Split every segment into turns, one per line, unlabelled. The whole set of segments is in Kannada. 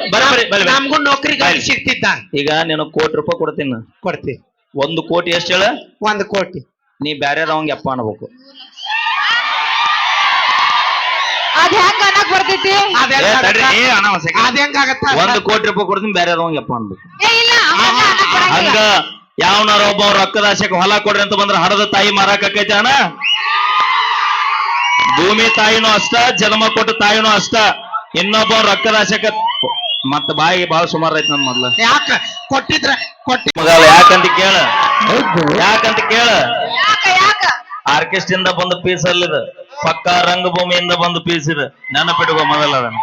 ನಮಗೂ ನೌಕರಿ ಸಿಗ್ತಿದ್ದ.
ಈಗ ನೀನು ₹1,00,00,000 ಕೊಡ್ತೀನಿ.
ಕೊಡ್ತಿ.
1,00,00,000 ಎಷ್ಟು ಹೇಳ?
1,00,00,000.
ನೀ ಬ್ಯಾರೆ ಅವಂಗ ಅಪ್ಪ ಅನ್ಬೇಕು.
ಅದ್ ಹೆಂಗ ಅನ್ನಕ್ ಬರ್ತೈತಿ?
ಅದ್ ಹೆಂಗಾಗತ್ತ?
₹1,00,00,000 ಕೊಡ್ತೀನಿ, ಬ್ಯಾರೆ ಅವಂಗ ಅಪ್ಪ ಅನ್ಬೇಕು. ಹಂಗ
ಹಂಗ
ಯಾವನಾರ ಒಬ್ಬ ರೊಕ್ಕದಾಶಕ್ಕೆ ಹೊಲ ಕೊಡ್ರಿ ಅಂತ ಬಂದ್ರ ಹಡದ ತಾಯಿ ಮಾರಾಕೈತಿ ಅಣ್ಣ. ಭೂಮಿ ತಾಯಿನೂ ಅಷ್ಟ, ಜನ್ಮ ಕೊಟ್ಟ ತಾಯಿನೂ ಅಷ್ಟ. ಇನ್ನೊಬ್ಬ ರೊಕ್ಕದಾಶಕ ಮತ್ತ ಬಾಯಿಗೆ ಬಾಳ ಸುಮಾರು ಐತಿ ನನ್ ಮೊದ್ಲ.
ಯಾಕ ಕೊಟ್ಟಿದ್ರ
ಮಗಲ್ಲ ಯಾಕಂತ ಕೇಳ ಆರ್ಕೆಸ್ಟ್ರಿಂದ ಬಂದ ಪೀಸ್ ಅಲ್ಲಿದ, ಪಕ್ಕ ರಂಗಭೂಮಿಯಿಂದ ಬಂದ ಪೀಸ್ ಇದೆ. ನೆನಪಿಡುವ ಮೊದಲ ಅದನ್ನ.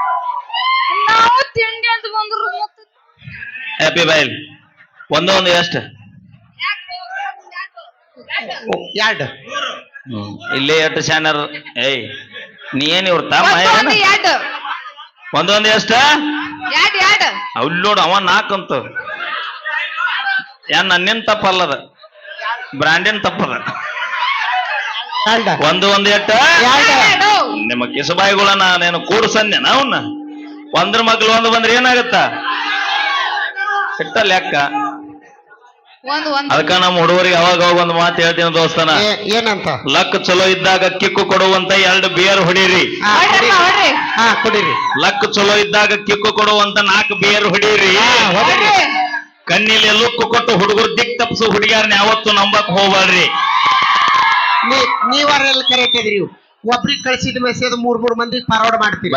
ಹ್ಯಾಪಿ ಬೈಲ್ ಒಂದು ಎಷ್ಟು?
2.
ಇಲ್ಲೇ ಎಷ್ಟು ಶಾನರ್? ಏಯ್ ನೀ ಏನ್ ಇವ್ರ ತಮ್ಮ ಒಂದು ಎಷ್ಟ? ಅವ್ಲ್ ನೋಡು ಅವ 4 ಅಂತ. ನನ್ನೇನ್ ತಪ್ಪಲ್ಲದ, ಬ್ರಾಂಡಿನ ತಪ್ಪದ. ಒಂದು ಎಟ್ಟ? ನಿಮ್ಮ ಕಿಸಬಾಯಿಗಳನ್ನ నేను ಕೂಡ್ಸನ್ನೇನ ಅವನ್ನ. ಒಂದ್ರ ಮಗ್ಲು ಒಂದು ಬಂದ್ರೆ ಏನಾಗತ್ತ? ಇಟ್ಟ ಲೆಕ್ಕ. ಅದಕ್ಕ ನಮ್ಮ ಹುಡುಗರಿಗೆ ಅವಾಗ ಒಂದು ಮಾತು ಹೇಳ್ತೀನಿ ದೋಸ್ತನ.
ಏನಂತ?
ಲಕ್ ಚಲೋ ಇದ್ದಾಗ ಕಿಕ್ಕು ಕೊಡುವಂತ 2 ಬಿಯರ್ ಹೊಡೀರಿ.
ಕುಡೀರಿ.
ಲಕ್ ಚಲೋ ಇದ್ದಾಗ ಕಿಕ್ಕು ಕೊಡುವಂತ 4 ಬಿಯರ್ ಹೊಡೀರಿ. ಕಣ್ಣಿಲಿ ಲುಕ್ಕು ಕೊಟ್ಟು ಹುಡುಗರು ದಿಕ್ ತಪ್ಸು ಹುಡುಗಿಯರ್ನ ಯಾವತ್ತು ನಂಬಕ್ ಹೋಗ್ಬಾರ್ರಿ.
ನೀವಾರೆಲ್ಲ ಕರೆಕ್ಟ್ ಇದ್ರಿ. ಒಬ್ರಿಗೆ ಕಳಿಸಿದ ಮೆಸೇಜ್ 3 ಮಂದಿಗೆ ಫಾರ್ವರ್ಡ್ ಮಾಡ್ತೀವಿ.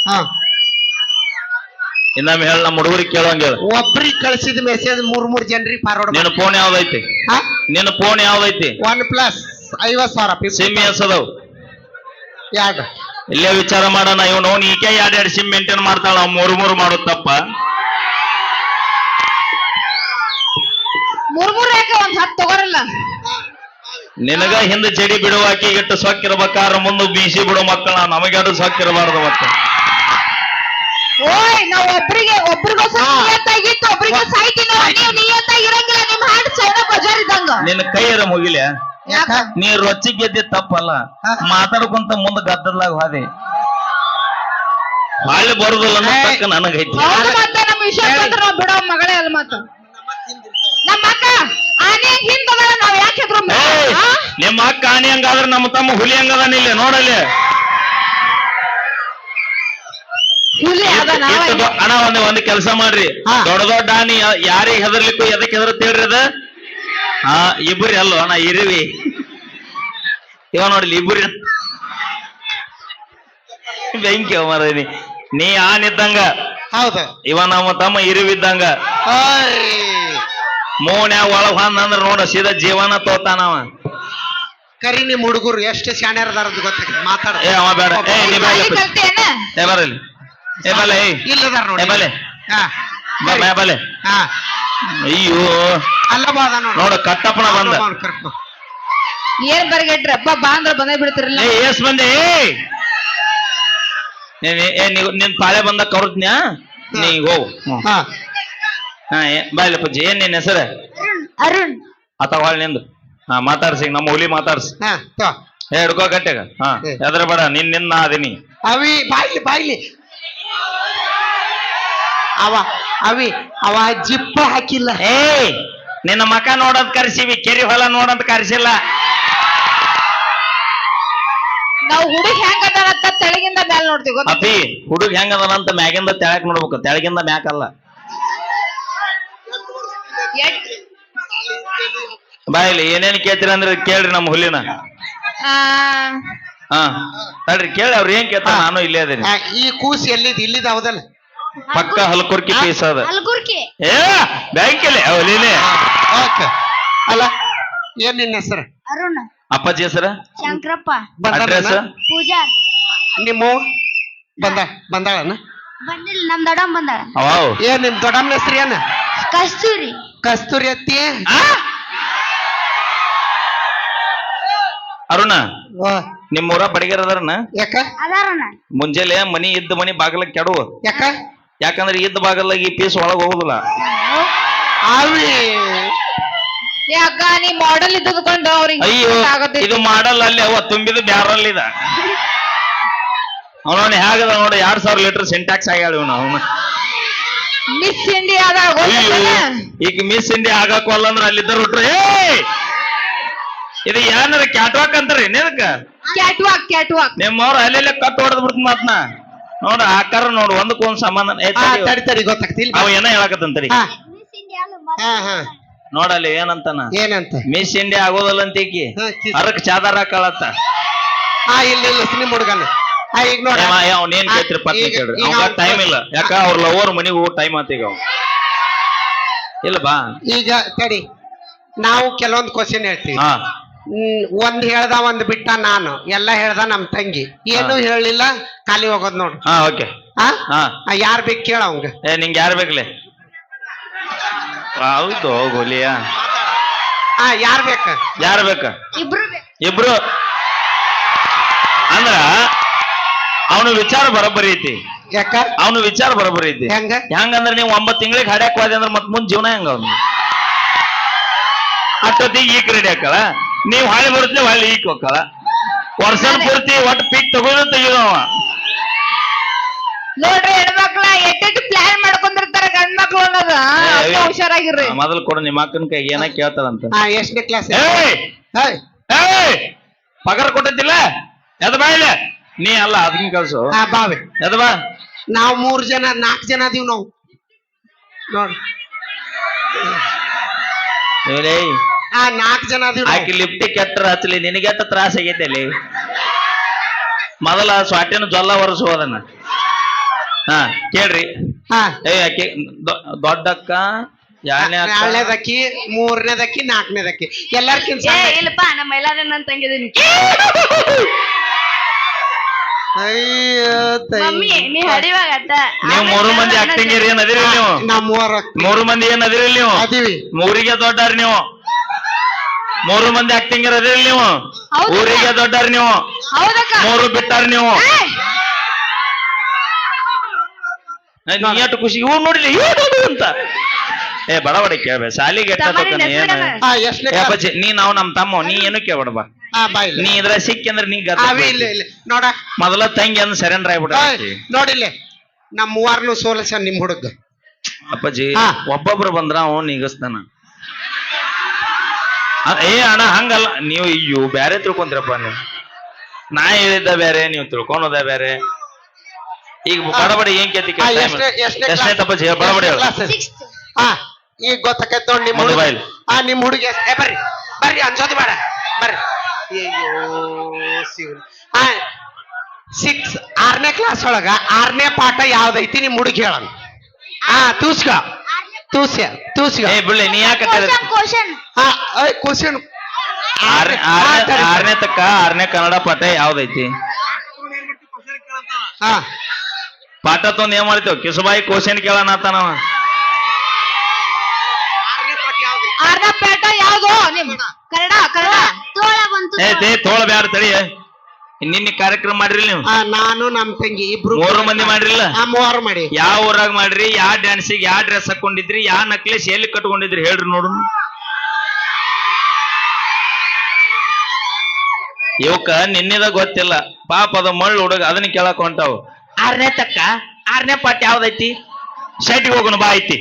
ಇನ್ನೊಮ್ಮೆ ಹೇಳ, ನಮ್ಮ ಹುಡುಗರಿಗೆ ಕೇಳೋಂಗ.
ಒಬ್ರಿಗೆ ಕಳಿಸಿದ ಮೆಸೇಜ್ 3 ಜನರಿಗೆ ಫಾರ್ವರ್ಡ್.
ನಿನ್ನ ಫೋನ್ ಯಾವ್ದೈತಿ? ನಿನ್ನ ಫೋನ್ ಯಾವ್ದೈತಿ?
OnePlus 50,000
ಸಿಮ್ ಎಸದವ್?
2.
ಇಲ್ಲೇ ವಿಚಾರ ಮಾಡೋಣ. ಇವ್ ನೋನ್ ಈಕೆ 2 ಸಿಮ್ ಮೇಂಟೈನ್ ಮಾಡ್ತಾಳ, 3 ಮಾಡೋದ್ ತಪ್ಪ?
3 ಯಾಕೆ? 10 ತಗೋರಲ್ಲ.
ನಿನಗ ಹಿಂದೆ ಜಡಿ ಬಿಡುವಾಕಿ ಇಟ್ಟು ಸೊಕ್ಕಿರ್ಬೇಕಾರ ಮುಂದೆ ಬೀಸಿ ಬಿಡೋ ಮಕ್ಕಳ ನಮಗೆರಡು ಸೊಕ್ಕಿರಬಾರ್ದು. ಮತ್ತೆ
ಓಯ್ ನಾವ್ ಒಬ್ರಿಗೋಸ್ಕರ ನಿಯತ್ತಾಗಿತ್ತು, ಒಬ್ರಿಗೆ ಸಾಯ್ತೀನಿ. ನೀವು ನಿಯತ್ತಾಗಿರಂಗಿಲ್ಲ. ನಿಮ್ ಹಾಡ್ ಚೈನ ಬಜಾರ್ ಇದ್ದಂಗ. ನಿನ್ನ
ಕೈಯರ ಮುಗಿಲೆ. ನೀ ರೊಚ್ಚಿ ಗೆದ್ದೆ ತಪ್ಪಲ್ಲ, ಮಾತಾಡ್ಕೊಂತ ಮುಂದೆ ಗದ್ದಲಾಗ ಹಾದೆ ಬಾಳೆ ಬರುದಿಲ್ಲ ತಕ್ಕ ನನಗೈತಿ.
ಮತ್ತೆ ನಮ್ಮ ವಿಷಯ ನಾವ್ ಬಿಡೋ ಮಗಳೇ ಅಲ್ಲ. ಮತ್ತ ನಮ್ಮ ಅಕ್ಕ ಆನೆ ಹಿಂದದ, ನಾವ್ ಯಾಕೆ
ನಿಮ್ಮ ಅಕ್ಕ ಆನೆ ಹಂಗಾದ್ರೆ ನಮ್ಮ ತಮ್ಮ ಹುಲಿ ಹಂಗದಾನ. ಇಲ್ಲಿ ನೋಡಲ್ಲಿ ಅಣ್ಣ ಒಂದು ಕೆಲಸ ಮಾಡ್ರಿ. ದೊಡ್ಡ ದೊಡ್ಡ ಆನಿ ಯಾರಿಗೆ ಹೆದರ್ಲಿಕ್ಕೂ ಎದಕ್ಕೆ ಹೆದರ್ತೇಳ್ರಿ ಅದ? ಇಬ್ರಿ ಅಲ್ಲೋ ಅಣ್ಣ, ಇರುವಿ ಇವ ನೋಡ್ಲಿ ಇಬ್ರಿ ಬೆಂಕಿ ಮರದಿ. ನೀ ಆನಿದ್ದಂಗ,
ಹೌದು.
ಇವ ನಮ್ಮ ತಮ್ಮ ಇರುವಿದ್ದಂಗ. ಮೋನ್ಯಾಗ ಒಳಗ್ ಅಂದ್ರ ನೋಡ ಸೀದಾ ಜೀವನ ತೋತಾನವ.
ಕರಿ ನಿಮ್ ಹುಡುಗರು ಎಷ್ಟು ಶಾಣ್ಯರದಾರ ಗೊತ್ತ. ಮಾತಾಡ
ಅವ ಬೇಡ. ಬರಲಿ
ಇಲ್ಲದಾರ ನೋಡಿ.
ಬಲೆ ಅಯ್ಯೋ
ಅಲ್ಲ
ನೋಡ ಕಟ್ಟಪ್ಪನ ಬಂದ.
ಏನ್ ಬರ್ಗೆಟ್ರಿ ಅಪ್ಪ ಬಾ ಅಂದ್ರ ಬಂದೇ ಬಿಡ್ತಿರಲ್ಲ.
ಎಸ್ ಬಂದೆ? ನಿನ್ ಪಾಳೆ ಬಂದ ಕೌರ್ತ್ನ್ಯಾ ನೀ ಹೋಗು. ಬಾಯ್ಲ ಪಜ್ಜಿ, ಏನ್ ನಿನ್ ಹೆಸರು?
ಅರುಣ್.
ಅಥವಾ ನಿಂದು ಮಾತಾಡ್ಸಿ, ನಮ್ಮ ಹುಲಿ ಮಾತಾಡ್ಸಿ. ಹಿಡ್ಕೋ ಗಟ್ಟೆಗ. ಎದ್ರ ಬೇಡ, ನಿನ್ನ ಅದೀನಿ.
ಅವಿ ಬಾಯ್ಲಿ ಅವ ಜಿಪ್ಪ ಹಾಕಿಲ್ಲ.
ನಿನ್ನ ಮಕ ನೋಡೋದ್ ಕರ್ಸಿವಿ, ಕೆರಿ ಹೊಲ ನೋಡೋದ್ ಕರ್ಸಿಲ್ಲ.
ನಾವು ಹುಡುಗ ಹೆಂಗದ ತೆಳಗಿಂದ ಮ್ಯಾಲ ನೋಡ್ತೀವಿ.
ಅಪ್ಪಿ ಹುಡುಗ ಹೆಂಗದಂತ ಮ್ಯಾಗಿಂದ ತೆಳಕ್ ನೋಡ್ಬೇಕು, ತೆಳಗಿಂದ ಮ್ಯಾಕಲ್ಲ. ಬಾಯಿಲಿ ಏನೇನ್ ಕೇಳ್ತೀರ ಅಂದ್ರೆ ಕೇಳ್ರಿ ನಮ್ಮ ಹುಲಿನ. ತಡ್ರಿ ಕೇಳಿ ಅವ್ರ ಏನ್ ಕೇಳ್ತಾರ, ನಾನು ಇಲ್ಲೇ ಅದೇನಿ.
ಈ ಕೂಸಿ ಇಲ್ಲಿದ ಹೌದಲ್ಲ?
ಪಕ್ಕ ಹಲ್ಕುರ್ಕಿ ಪೀಸ್ ಅದ. ಏ ಬ್ಯಾಂಕಿಲೆ ಹುಲಿನೇ.
ಅಲ್ಲ ಏನ್ ನಿನ್ನ ಹೆಸರು?
ಅರುಣ್.
ಅಪ್ಪಾಜಿ ಹೆಸರ?
ಶಂಕರಪ್ಪ.
ಅಡ್ರೆಸ್?
ಪೂಜಾ.
ನಿಮ್ಮ ಬಂದಾಳನ?
ಬಂದಿಲ್ಲ, ನಮ್ ದೊಡ್ಡಮ್ಮ ಬಂದಾಳ.
ಏನ್ ನಿಮ್ ದೊಡ್ಡಮ್ಮನ ಹೆಸರು ಏನ?
ಕಸ್ತೂರಿ.
ಕಸ್ತೂರಿ ಅತ್ತಿ.
ಅರುಣ, ನಿಮ್ಮೂರ ಬಡಿಗೆರ ಅದಾರನ?
ಯಾಕ?
ಅದಾರಣ.
ಮುಂಜಾನೆ ಮನಿ ಇದ್ದ ಮನಿ ಬಾಗಲ ಕೆಡುವ.
ಯಾಕ?
ಯಾಕಂದ್ರೆ ಇದ್ದ ಬಾಗಲಾಗಿ ಪೀಸ್ ಒಳಗ್ ಹೋಗುದಿಲ್ಲ.
ಯಾಕ ನೀ ಮಾಡೆಲ್ ಇದ್ದುಕೊಂಡು ಅವ್ರಿಗೆ?
ಅಯ್ಯೋ ಇದು ಮಾಡಲ್ ಅಲ್ಲಿ ಅವ ತುಂಬಿದ ಬ್ಯಾರಲ್ ಇದ. ಅವನವನ್ ಹೇಗದ ನೋಡಿ, 2,000 ಲೀಟರ್ ಸಿಂಟ್ಯಾಕ್ಸ್ ಆಗ್ಯಾಳ ಇವನು. ಅವನು
ಮಿಸ್ ಇಂಡಿಯಾದ
ಅಯ್ಯೋ ಈಗ ಮಿಸ್ ಇಂಡಿಯಾ ಆಗಾಕೋಲ್ಲ ಅಂದ್ರೆ ಅಲ್ಲಿದ್ದರು ಹುಟ್ರು ಇದು ಏನಾರ ಕ್ಯಾಟ್ವಾಕ್ ಅಂತಾರ ಏನದಕ್ಕ
ಕ್ಯಾಟ್ವಾಕ್ ಕ್ಯಾಟ್ವಾಕ್
ನಿಮ್ಮವ್ರು ಅಲ್ಲೆಲ್ಲ ಕಟ್ ಹೊಡೆದ್ ಬಿಡ್ತ ಮಾತ್ನ ನೋಡ ಆಕಾರ ನೋಡು ಒಂದಕ್ಕೊಂದ್ ಸಂಬಂಧ
ತಡಿ ತಡಿ ಗೊತ್ತಾಗ್ತಿಲ್ಲ
ಅವ ಏನೋ ಹೇಳಕತ್ತಂತರಿ
ಹಾ ಹಾ
ನೋಡಲ್ಲಿ ಏನಂತಾನ
ಏನಂತ
ಮಿಸ್ ಇಂಡಿಯಾ ಆಗೋದಲ್ಲ ಅಂತ ಈಕಿ
ಹಾ,
ಅರಕ್ ಚಾದಾರ ಹಾಕಳತ್ತ
ಹಾ ಇಲ್ಲ ಇಲ್ಲ ನಿಮ್ಮ ಹುಡುಗನ ಈಗ ನೋಡ
ಅವ್ನೇನ್ ಕೇಳ್ತಿರಿ ಪತ್ನಿ
ಈಗ-
ಕೇಳ್ರಿ
ಈಗ
ಅವಾಗ
ಅವ್ನ್
ಟೈಮ್ ಇಲ್ಲ ಯಾಕ ಅವ್ರ ಲವರ್ ಮನಿಗೆ ಹೋಗೋ ಟೈಮ್ ಆತ ಈಗ ಇಲ್ಲ ಬಾ
ಈಗ ತಡಿ ನಾವು ಕೆಲವೊಂದು ಕ್ವಶನ್ ಹೇಳ್ತೀವಿ
ಹಾ
ಒಂದ್ ಹೇಳ್ದ ಒಂದ್ ಬಿಟ್ಟ ನಾನು ಎಲ್ಲ ಹೇಳ್ದ ನಮ್ ತಂಗಿ ಏನು ಹೇಳಿಲ್ಲ ಖಾಲಿ ಹೋಗೋದ್ ನೋಡು
ಹಾ ಓಕೆ
ಹಾ
ಹಾ
ಯಾರ್ ಬೇಕು ಕೇಳ ಅವಂಗ
ಏ ನಿಂಗೆ ಯಾರು ಬೇಕಲೆ ಹೌದು ಗೋಲಿಯ
ಹಾ ಯಾರ್ ಬೇಕ
ಯಾರು ಬೇಕ
ಇಬ್ರು
ಇಬ್ರು ಅಂದ್ರ ಅವನು ವಿಚಾರ ಬರೋಬ್ಬರಿ ಐತಿ
ಯಾಕ
ಅವನು ವಿಚಾರ ಬರೋಬ್ಬರಿ ಐತಿ
ಹೆಂಗ
ಹೆಂಗಂದ್ರೆ ನೀವು 9 ತಿಂಗಳಿಗೆ ಹಾಡ್ಯಾಕ್ ಹೋದೆ ಅಂದ್ರೆ ಮತ್ ಮುಂದ್ ಜೀವನ ಹೆಂಗ ಅವ್ನು ಅಷ್ಟೊತ್ತಿಗೆ ಈಕ್ ರೆಡಿ ಹಾಕಲ್ಲ ನೀವು ಹಾಳಿ ಬರುತ್ತಲೆ ಹೊಳ್ಳಿ ಈಕ್ ಹೋಗಲ್ಲ ವರ್ಷನ್ ಪೂರ್ತಿ ಒಟ್ಟು ಪೀಕ್ ತಗೊಂಡು ತೆಗಿದವ
ನೋಡ್ರಿ ಹೆಣ್ಮಕ್ಳ ಎಟ್ಟೆಟ್ಟು ಪ್ಲಾನ್ ಮಾಡ್ಕೊಂಡಿರ್ತಾರ ಗಂಡ್ ಮಕ್ಳು ಅನ್ನೋದು ಅಪ್ಪ ಹುಷಾರಾಗಿರ್ರಿ
ಮೊದಲು ಕೊಡು ನಿಮ್ಮ ಅಕ್ಕನ ಕೈ ಏನ ಕೇಳ್ತಾರಂತ
ಹಾ ಎಷ್ಟನೇ ಕ್ಲಾಸ್
ಏಯ್ ಏಯ್ ಪಗಾರ ಕೊಟ್ಟಿದ್ದಿಲ್ಲ ಎದ ಬಾ ಇಲ್ಲ ನೀ ಅಲ್ಲ ಅದನ್ನ ಕಳ್ಸು
ಹಾ ಬಾವೆ
ಎದ ಬಾ
ನಾವ್ 3 ಜನ 4 ಜನ ಅದೀವ್ ನಾವು ನೋಡ್ ಹಾ 4 ಜನ ಅದೀವ್ ನಾವು.
ಆಕಿ ಲಿಫ್ಟಿ ಕೆಟ್ಟರ ಹಚ್ಚಲಿ ನಿನಗೆ ಎಷ್ಟ ತ್ರಾಸ ಆಗೈತೆ ಅಲ್ಲಿ ಮೊದಲ ಸ್ವಾಟಿನ ಜೊಲ್ಲ ಒರೆಸೋದನ್ನ ಹಾ ಕೇಳ್ರಿ
ಹಾ
ಏ ಆಕಿ ದೊಡ್ಡಕ್ಕ ಯಾರನೇ ಅಕ್ಕ
ಎರಡನೇದಕ್ಕಿ 3ನೇದಕ್ಕಿ 4ನೇದಕ್ಕಿ ಎಲ್ಲಾರ್ಕಿಂತ
ಏ ಇಲ್ಲಪ್ಪ ನಮ್ಮ ಎಲ್ಲಾರ ನನ್ ತಂಗಿದೀನಿ
ಅಯ್ಯೋ
ಮಮ್ಮಿ ನೀ ಹಡಿವಾಗ ಅಟ್ಟ
ನೀವು 3 ಮಂದಿ ಆಕ್ಟಿಂಗ್ ಏನ್ ಅದಿರಿ ನೀವು
ನಾವ್
3 ಮಂದಿ ಏನ್ ಅದಿರಿ ನೀವು
ಅದೀವಿ
ಊರಿಗೆ ದೊಡ್ಡಾರ ನೀವು 3 ಮಂದಿ ಆಕ್ಟಿಂಗ್ ಅದಿರಿ ನೀವು
ಹೌದಕ್ಕ.
ಊರಿಗೆ ದೊಡ್ಡಾರ ನೀವು
ಹೌದಕ್ಕ
3 ಬಿಟ್ಟಾರ ನೀವು
ಏ,
ನೀ ಎಷ್ಟು ಖುಷಿ ಇವ್ ನೋಡಿಲ್ಲ ಅಂತ ಏ ಬಡ ಬಡ ಕೇಳ್ಬೇ ಸಾಲಿಗೆ ಎಟ್ಟ
ತಮ್ಮನಿಂದ
ತಗೋತಾನೆ ಏನ
ಹೆಸ್ರಿಡಣ.
ಹಾ ಎಷ್ಟನೇ
ಏ ಅಪ್ಪಾಜಿ ನೀ ನಾವು ನಮ್ ತಮ್ಮ ನೀ ಏನು ಕೇಳ್ಬೇಡ ಬಾ
ಹಾ ಬಾ ಇಲ್ಲ
ನೀ ಇದ್ರ ಸಿಕ್ಕಿ ಅಂದ್ರೆ ನೀ
ಅವಿ ಇಲ್ಲ ಇಲ್ಲ ನೋಡ
ಮೊದಲ ತಂಗಿ ಅಂದ್ ಸರೆಂಡರ್ ಆಗ್ಬಿಡ
ನೋಡಿಲ್ಲ ನಮ್ 3 ಸೋಲಸ ನಿಮ್ ಹುಡುಗ
ಅಪ್ಪಾಜಿ
ಹಾ.
ಒಬ್ಬೊಬ್ರು ಬಂದ್ರ ಅವ ನಿಗಸ್ತಾನ ಏ ಅಣ್ಣ ಹಂಗಲ್ಲ ನೀವು ಅಯ್ಯೋ ಬ್ಯಾರೆ ತಿಳ್ಕೊಂತೀರಪ್ಪ ನೀವು ನಾ ಹೇಳಿದ್ದ ಬೇರೆ ನೀವು ತಿಳ್ಕೊಳೋದ ಬೇರೆ ಈಗ ಬಡಬಡಿ ಏನ್ ಕೇಳ್ತಿ
ಹಾ, ಎಷ್ಟನೇ
ತಪ್ಪಾಜಿ ಬಡಬಡಿ ಹೇಳು
Sixth.
ಹಾ ಈಗ ಗೊತ್ತಾಕೈತ್ ನೋಡ್ ನಿಮ್ ಹುಡುಗ
ಮೊಬೈಲ್.
ಹಾ ನಿಮ್ ಹುಡುಗ ಏ ಬರ್ರಿ ಬರ್ರಿ ಅನ್ಸೋದು ಬೇಡ ಬರ್ರಿ ಅಯ್ಯೋ ಶಿವನ್ ಹಾ 6ನೇ ಕ್ಲಾಸ್ ಒಳಗ 6ನೇ ಪಾಠ ಯಾವ್ದೈತಿ ನಿಮ್ ಹುಡುಗ ಹೇಳನ್ ಹಾ ತೂಸ್ಕ
ಏ ಬಿಡ್ಲಿ ನೀ ಯಾಕೆ
Question.
ಹಾ ಕ್ವಶನ್
ಆರನೇ ತಕ್ಕ 6ನೇ ಕನ್ನಡ ಪಾಠ ಯಾವ್ದೈತಿ
ಹಾ
ಪಾಠ ತೊಂದ್ ಏನ್ ಮಾಡ್ತೇವ್ ಕಿಸುಬಾಯಿ ಕ್ವಶನ್ ಕೇಳೋಣ ಆತನವ
ಆರ್ನ ಪೇಟ ಯಾವ್ದು ನಿಮ್ ಕನ್ನಡ ಕನ್ನಡ ತೋಳ ಬಂತು
ಏ ತೋಳ ಬ್ಯಾಡ ತಡಿ ನಿನ್ನೆ ಕಾರ್ಯಕ್ರಮ ಮಾಡ್ರಿ ನೀವು
ಹಾ, ನಾನು ನಮ್ ತಂಗಿ ಇಬ್ರು
3 ಮಂದಿ ಮಾಡ್ರಿಲ್ಲ
ಹಾ 3 ಮಾಡಿ
ಯಾವ ಊರಾಗ ಮಾಡ್ರಿ ಯಾವ ಡ್ಯಾನ್ಸಿಗೆ ಯಾವ ಡ್ರೆಸ್ ಹಾಕೊಂಡಿದ್ರಿ ಯಾವ ನಕ್ಲೇಸ್ ಎಲ್ಲಿ ಕಟ್ಕೊಂಡಿದ್ರಿ ಹೇಳ್ರಿ ನೋಡು ಇವಕ್ಕ ನಿನ್ನೆದ ಗೊತ್ತಿಲ್ಲ ಪಾಪ ಅದ ಮಳ್ಳು ಹುಡುಗ ಅದನ್ನ ಕೇಳಕ್ ಹೊಂಟಾವು 6ನೇ ತಕ್ಕ 6ನೇ ಪಾಠ ಯಾವ್ದೈತಿ ಸೈಟಿಗೆ ಹೋಗೋಣ ಬಾ ಐತಿ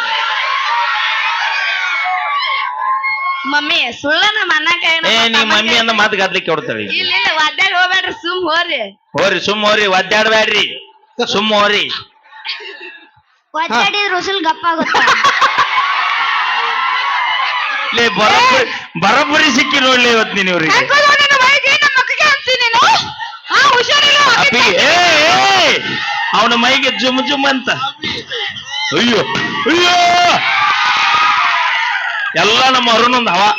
ಮಮ್ಮಿ ಸುಳ್ಳ ನಮ್ಮ ಅಣ್ಣ ಕೈ
ಏ ನಿಮ್ ಮಮ್ಮಿ ಅಂದ ಮಾತು ಗದ್ಲಿಕ್ಕೆ ಹೊಡ್ತಾಳೆ
ಇಲ್ಲ ಇಲ್ಲ ಒದ್ದಾಡಿ ಹೋಗ್ಬೇಡ್ರಿ ಸುಮ್ ಹೋರಿ
ಹೋರಿ ಸುಮ್ಮ ಹೋರಿ ಒದ್ದಾಡ್ಬ್ಯಾಡ್ರಿ ಸುಮ್ಮ ಹೋರಿ
ಒದ್ದಾಡಿದ್ರ ಉಸುಲ್ ಗಪ್ಪ ಆಗುತ್ತ
ಲೇ ಬರೋಬ್ಬರಿ ಸಿಕ್ಕಿ ನೋಡ್ಲಿ ಇವತ್ತು ನೀನ್ ಇವ್ರಿಗೆ ಅಪ್ಪಿ ಅವನ ಮೈಗೆ ಜುಮ್ ಜುಮ್ ಅಂತ ಅಯ್ಯೋ ಅಯ್ಯೋ ಎಲ್ಲ ನಮ್ಮ ಅರುಣೊಂದು ಹವಾ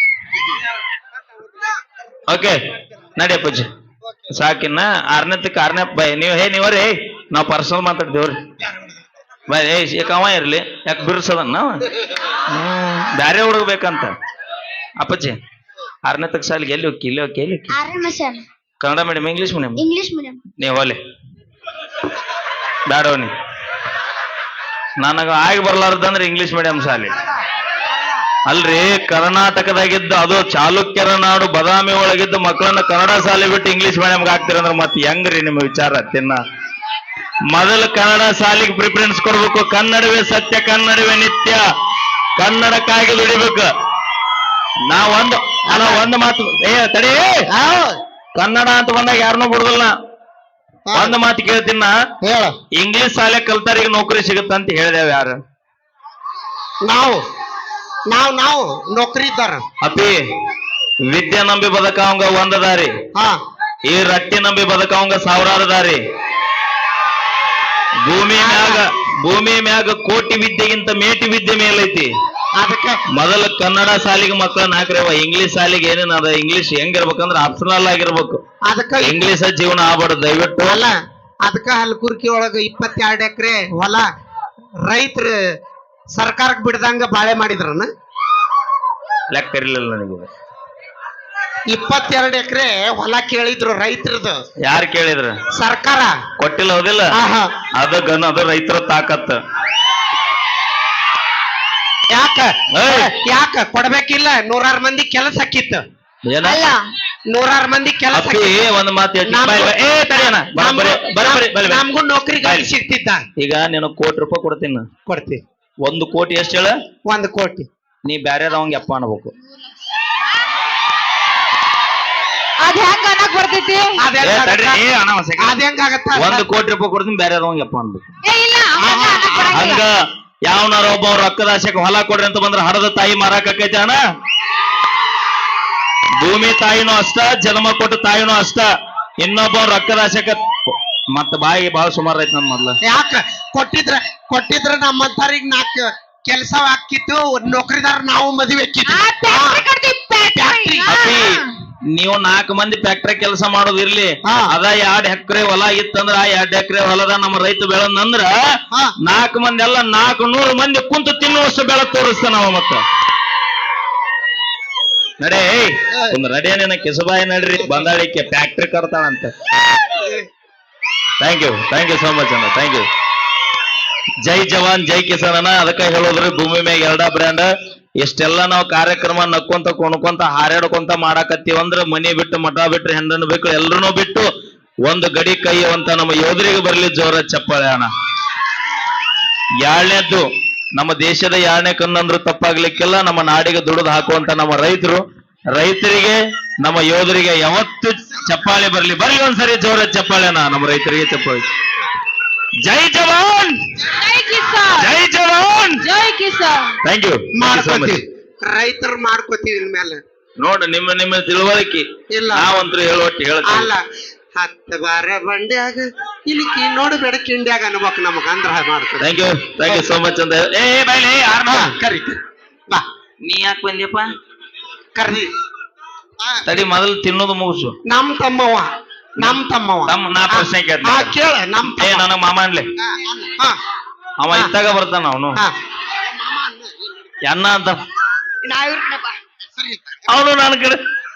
ಓಕೆ ನಡಿಯಪ್ಪಜ್ಜಿ ಸಾಕಿನ್ನ 6ನೇತಕ್ಕೆ 6ನೇ ಬೈ ನೀವ್ರಿ ನಾವ್ ಪರ್ಸನಲ್ ಮಾತಾಡ್ದೇವ್ರಿ ಬೈ ಯಾಕವ ಇರ್ಲಿ ಯಾಕೆ ಬಿರ್ಸದನ್ನ ಬ್ಯಾರೆ ಹುಡುಗಬೇಕಂತ ಅಪ್ಪಜ್ಜಿ 6ನೇತಕ್ಕೆ ಸಾಲಿಗೆ ಎಲ್ಲಿ ಹೋಗಿ ಇಲ್ಲಿ ಹೋಗಿ ಎಲ್ಲಿ ಹೋಗಿ Kannada medium English medium
English medium
ನೀವು ಹೋಲೆ ಬ್ಯಾಡವ ನೀ ನನಗ ಆಗಿ ಬರ್ಲಾರ್ದಂದ್ರೆ ಇಂಗ್ಲಿಷ್ ಮೀಡಿಯಂ ಶಾಲೆ ಅಲ್ರಿ ಕರ್ನಾಟಕದಾಗಿದ್ದ ಅದು ಚಾಲುಕ್ಯರ ನಾಡು ಬದಾಮಿ ಒಳಗಿದ್ದ ಮಕ್ಕಳನ್ನ ಕನ್ನಡ ಶಾಲೆ ಬಿಟ್ಟು ಇಂಗ್ಲಿಷ್ ಮೀಡಿಯಂಗೆ ಹಾಕ್ತಿರಂದ್ರೆ ಮತ್ತೆ ಹೆಂಗ್ರಿ ನಿಮ್ಮ ವಿಚಾರ ತಿನ್ನ ಮೊದಲು ಕನ್ನಡ ಶಾಲೆಗೆ ಪ್ರಿಫರೆನ್ಸ್ ಕೊಡ್ಬೇಕು. ಕನ್ನಡವೇ ಸತ್ಯ, ಕನ್ನಡವೇ ನಿತ್ಯ, ಕನ್ನಡಕ್ಕಾಗಿ ದುಡಿಬೇಕು. ಒಂದು ಮಾತು ತಡಿ, ಕನ್ನಡ ಅಂತ ಬಂದಾಗ ಯಾರನ್ನೂ ಬಿಡುದಿಲ್ಲ. ಒಂದು ಮಾತು ಕೇಳ್ತೀನ,
ಹೇಳ.
ಇಂಗ್ಲಿಷ್ ಶಾಲೆ ಕಲ್ತಾರಿಗೆ ನೌಕರಿ ಸಿಗುತ್ತ ಅಂತ ಹೇಳಿದೇವ್ ಯಾರು?
ನಾವು ನೌಕರಿ ಇದ್ದಾರ.
ಅಪಿ ವಿದ್ಯೆ ನಂಬಿ ಬದುಕವಂಗ ಒಂದ ದಾರಿ,
ಹಾ
ಈ ರಟ್ಟಿ ನಂಬಿ ಬದುಕವಂಗ ಸಾವಿರಾರು ದಾರಿ. ಭೂಮಿ ಮ್ಯಾಗ ಕೋಟಿ ವಿದ್ಯೆಗಿಂತ ಮೇಟಿ ವಿದ್ಯೆ ಮೇಲೈತಿ.
ಅದಕ್ಕೆ
ಮೊದಲ ಕನ್ನಡ ಶಾಲೆಗೆ ಮಕ್ಕಳನ್ನ ಹಾಕ್ರವ. ಇಂಗ್ಲಿಷ್ ಶಾಲೆಗೆ ಏನೇನ ಅದ, ಇಂಗ್ಲಿಷ್ ಹೆಂಗಿರ್ಬೇಕಂದ್ರ ಆಪ್ಷನಲ್ ಆಗಿರ್ಬೇಕು.
ಅದಕ್ಕ
ಇಂಗ್ಲಿಷ್ ಜೀವನ ಆಗ್ಬಾರ್ದು ದಯವಿಟ್ಟು.
ಅಲ್ಲ, ಅದಕ್ಕ ಹಲ್ಕುರ್ಕಿ ಒಳಗ 22 ಎಕರೆ ಹೊಲ ರೈತರು ಸರ್ಕಾರಕ್ಕೆ ಬಿಡ್ದಂಗ ಬಾಳೆ ಮಾಡಿದ್ರನ.
ಲೆಕ್ಕ ಇರ್ಲಿಲ್ಲ ನನಗೆ.
22 ಎಕರೆ ಹೊಲ ಕೇಳಿದ್ರು ರೈತರದು.
ಯಾರು ಕೇಳಿದ್ರ?
ಸರ್ಕಾರ
ಕೊಟ್ಟಿಲ್ಲ, ಹೌದಿಲ್ಲ?
ಆಹಾ.
ಅದು ರೈತರ ತಾಕತ್.
ಯಾಕ ಕೊಡ್ಬೇಕಿಲ್ಲ? 100 ಮಂದಿ ಕೆಲಸ ಹಾಕಿತ್ತು.
ಏನ?
ಅಲ್ಲ
100 ಮಂದಿ ಕೆಲಸ
ಅಪ್ಪಿ ಒಂದ್ ಮಾತು
ನಮ್ಗೂ ನೌಕರಿ ಗಾಡಿ ಸಿಗ್ತಿದ್ದ.
ಈಗ ನೀನು ₹1,00,00,000 ಕೊಡ್ತೀನಿ.
ಕೊಡ್ತಿ.
1 ಕೋಟಿ ಎಷ್ಟು ಹೇಳ?
1 ಕೋಟಿ.
ನೀ ಬ್ಯಾರೆದವಂಗ ಎಪ್ಪ ಅನ್ಬೇಕು.
ಅದ್ ಹೆಂಗ ಅನ್ನಕ್ ಬರ್ತೈತಿ?
ಅದ್ ಹೆಂಗಾಗತ್ತ?
₹1 ಕೋಟಿ ಕೊಡ್ತೀನಿ, ಬ್ಯಾರೆದವಂಗ ಎಪ್ಪ ಅನ್ಬೇಕು.
ಇಲ್ಲ ಹಂಗ ಅನ್ನಕ್ ಬರಂಗಿಲ್ಲ.
ಹಂಗ ಯಾವನಾರ ಒಬ್ಬ ರೊಕ್ಕದ ಆಸೆಗೆ ಹೊಲ ಕೊಡ್ರಿ ಅಂತ ಬಂದ್ರೆ ಹಡದ ತಾಯಿ ಮಾರಾಕೈತಿ ಅಣ್ಣ. ಭೂಮಿ ತಾಯಿನೂ ಅಷ್ಟ, ಜನ್ಮ ಕೊಟ್ಟ ತಾಯಿನೂ ಅಷ್ಟ. ಇನ್ನೊಬ್ಬ ರೊಕ್ಕದ ಆಸೆಕ ಮತ್ತ ಬಾಯಿ ಬಾಳ ಸುಮಾರು ಐತಿ ನನ್ ಮೊದ್ಲ.
ಯಾಕ ಕೊಟ್ಟಿದ್ರ ನಮ್ಮಂತಾರಿಗೆ 4 ಕೆಲಸ ಹಾಕಿತ್ತು, ನೌಕರಿದಾರ ನಾವು ಮದುವೆ
ಅಪ್ಪಿ ನೀವು 4 ಮಂದಿ ಫ್ಯಾಕ್ಟ್ರಿ ಕೆಲಸ ಮಾಡೋದು ಇರ್ಲಿ. ಅದ 2 ಎಕರೆ ಹೊಲ ಇತ್ತಂದ್ರ ಆ 2 ಎಕರೆ ಹೊಲದ ನಮ್ಮ ರೈತ ಬೆಳದಂದ್ರ 4 ಮಂದಿ ಎಲ್ಲ 400 ಮಂದಿ ಕುಂತು ತಿನ್ನುವಷ್ಟು ಬೆಳ ತೋರಿಸ್ತಾನ ನಾವ. ಮತ್ತ ನಡೇ ಒಂದು ನಡೇನ ಕೆಸಬಾಯಿ ನಡ್ರಿ, ಬಂದಾಳಿಕೆ ಫ್ಯಾಕ್ಟ್ರಿ ಕರ್ತಾಳಂತ. ಥ್ಯಾಂಕ್ ಯು ಸೋ ಮಚ್ ಅಣ್ಣ, ಥ್ಯಾಂಕ್ ಯು. ಜೈ ಜವಾನ್ ಜೈ ಕಿಸಾನ್ ಅಣ್ಣ. ಅದಕ್ಕೆ ಹೇಳೋದ್ರಿ ಭೂಮಿ ಮ್ಯಾಗ 2 ಬ್ರ್ಯಾಂಡ್. ಎಷ್ಟೆಲ್ಲ ನಾವು ಕಾರ್ಯಕ್ರಮ ನಕ್ಕೊಂತ ಕೊಣ್ಕೊಂತ ಹಾರಾಡ್ಕೊಂತ ಮಾಡಾಕತ್ತೀವಂದ್ರ ಮನಿ ಬಿಟ್ಟು ಮಠ ಬಿಟ್ಟು ಹೆಣ್ಣನ್ನು ಬೇಕು ಎಲ್ರೂ ಬಿಟ್ಟು ಒಂದು ಗಡಿ ಕೈಯುವಂತ ನಮ್ಮ ಯೋಧರಿಗೆ ಬರ್ಲಿ ಜೋರ ಚಪ್ಪಾಳೆ ಅಣ್ಣ. 2ನೇದ್ದು ನಮ್ಮ ದೇಶದ 2ನೇ ಕಣ್ಣಂದ್ರು ತಪ್ಪಾಗ್ಲಿಕ್ಕಿಲ್ಲ. ನಮ್ಮ ನಾಡಿಗೆ ದುಡಿದು ಹಾಕುವಂತ ನಮ್ಮ ರೈತರಿಗೆ ನಮ್ಮ ಯೋಧರಿಗೆ ಯಾವತ್ತು ಚಪ್ಪಾಳೆ ಬರ್ಲಿ ಒಂದ್ಸರಿ ಜೋರ ಚಪ್ಪಾಳೆ ಅಣ್ಣ. ನಮ್ಮ ರೈತರಿಗೆ ಚಪ್ಪಾಳೆ. ಜೈ ಜವಾನ್ ಜೈ ಜವಾನ್
ಜೈ ಕಿಸಾನ್.
Thank you.
ರೈತರು ಮಾಡ್ಕೋತೀವಿ ಇನ್ಮೇಲೆ.
ನೋಡ ನಿಮ್ಮ ತಿಳುವಳಿಕೆ
ಇಲ್ಲ.
ನಾವಂತೂ ಹೇಳುವಟ್ಟು ಹೇಳ್ತೀವಿ.
ಅಲ್ಲ, 10 ಬಾರ ಬಂಡ್ಯಾಗ ಇಲ್ಲಿಕಿ ನೋಡಬೇಡ ಕಿಂಡ್ಯಾಗ ಅನ್ಬೇಕು ನಮಗ ಅಂದ್ರ ಮಾಡ್ತೀವಿ.
ಥ್ಯಾಂಕ್ ಯು ಸೋ ಮಚ್ ಅಂತ. ಬೈಲಿ
ಕರಿ ಬಾ.
ನೀ ಯಾಕೆ ಬಂದ್ಯಪ್ಪ?
ಕರ್ದಿ
ತಡಿ ಮೊದಲು ತಿನ್ನೋದು ಮುಗಿಸು.
ನಮ್ ತಮ್ಮವ
ನಾ ಪ್ರಶ್ನೆ ಕೇಳ್ತೀನಿ.
ಕೇಳ.
ನನಗ ಮಾಮ ಅನ್ಲಿ. ಅವ ಇತ್ತಾಗ ಬರ್ತಾನ, ಅವನು ಅಣ್ಣ ಅಂತ. ಅವನು ನನ್ನ ಕಡೆ.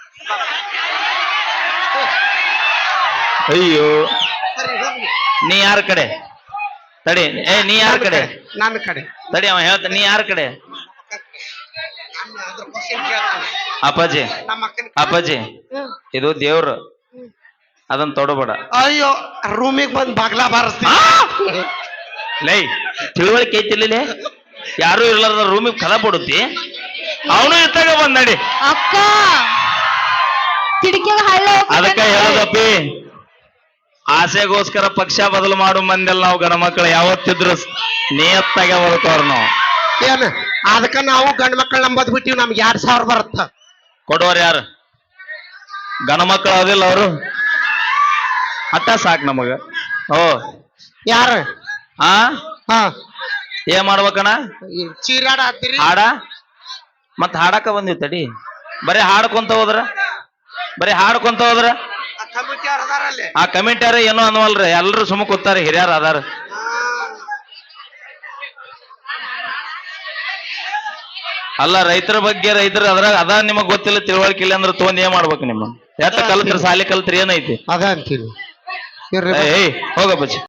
ಅಯ್ಯೋ ನೀ ಯಾರ ಕಡೆ? ತಡಿ. ನೀ ಯಾರ ಕಡೆ?
ನನ್ನ ಕಡೆ.
ತಡಿ, ಅವ ಹೇಳ್ತ. ನೀ ಯಾರ ಕಡೆ? ಅಪ್ಪಾಜಿ ಇದು ದೇವ್ರು, ಅದನ್ನ ತೊಡಬೇಡ.
ಅಯ್ಯೋ, ರೂಮಿಗೆ ಬಂದ್ ಬಾಗ್ಲಾ ಬಾರಿಸ್ತೀನಿ.
ಲೈ ತಿಳುವಳಿಕೆ ಐತಿಲ್ಲ, ಯಾರು ಇರ್ಲಾರ್ದ ರೂಮಿಗೆ ಕದ ಬಿಡುತ್ತಿ. ಅವನು ಇತ್ತಾಗ ಬಂದ್ ನಡಿ.
ಅಕ್ಕ ಕಿಟಕಿಯಾಗ ಹಳ್ಳ.
ಅದಕ್ಕ ಹೇಳೋದಪ್ಪಿ, ಆಸೆಗೋಸ್ಕರ ಪಕ್ಷ ಬದಲು ಮಾಡು ಮಂದೆಲ್ಲ ನಾವು ಗಂಡ ಮಕ್ಕಳು ಯಾವತ್ತಿದ್ರು ನಿಯತ್ತಾಗ ಬದುಕೋರ್ ನಾವು.
ಏನ್ ಅದಕ್ಕ ನಾವು ಗಂಡ ಮಕ್ಕಳು ನಂಬದ್ ಬಿಟ್ಟಿವಿ. ನಮ್ಗೆ 2,000 ಬರುತ್ತ.
ಕೊಡೋರು ಯಾರು? ಗಂಡ ಮಕ್ಕಳು ಅದಿಲ್ಲ ಅವರು. ಅಟ್ಟ ಸಾಕ್ ನಮಗ.
ಯಾರು?
ಏನ್ ಮಾಡ್ಬೇಕಣ್ಣ?
ಚೀರಾಡ ಹತ್ತಿರಿ
ಹಾಡ. ಮತ್ ಹಾಡಕ ಬಂದಿವ್ ತಡಿ. ಬರೀ ಹಾಡ್ಕೊಂತ ಹೋದ್ರ ಆ ಕಮಿಟಿಯಾರ ಏನೋ ಅನ್ನವಲ್ರಿ. ಎಲ್ರು ಸುಮ್ಮ ಕೂತಾರ, ಹಿರಿಯರ್ ಅದಾರ. ಅಲ್ಲ, ರೈತರ ಬಗ್ಗೆ ಅದ್ರಾಗ ಅದ ನಿಮಗ್ ಗೊತ್ತಿಲ್ಲ, ತಿಳುವಳಿಕೆ ಇಲ್ಲ ಅಂದ್ರೆ ತೊಗೊಂಡ್ ಏನ್ ಮಾಡ್ಬೇಕು? ನಿಮ್ಮ ಎತ್ತ ಕಲ್ತ್ರಿ, ಸಾಲಿ ಕಲ್ತ್ರಿ, ಏನೈತಿ
ಅದ ಅಂತೀವಿ.
ಹೋಗ ಬಚ್ಚಿ.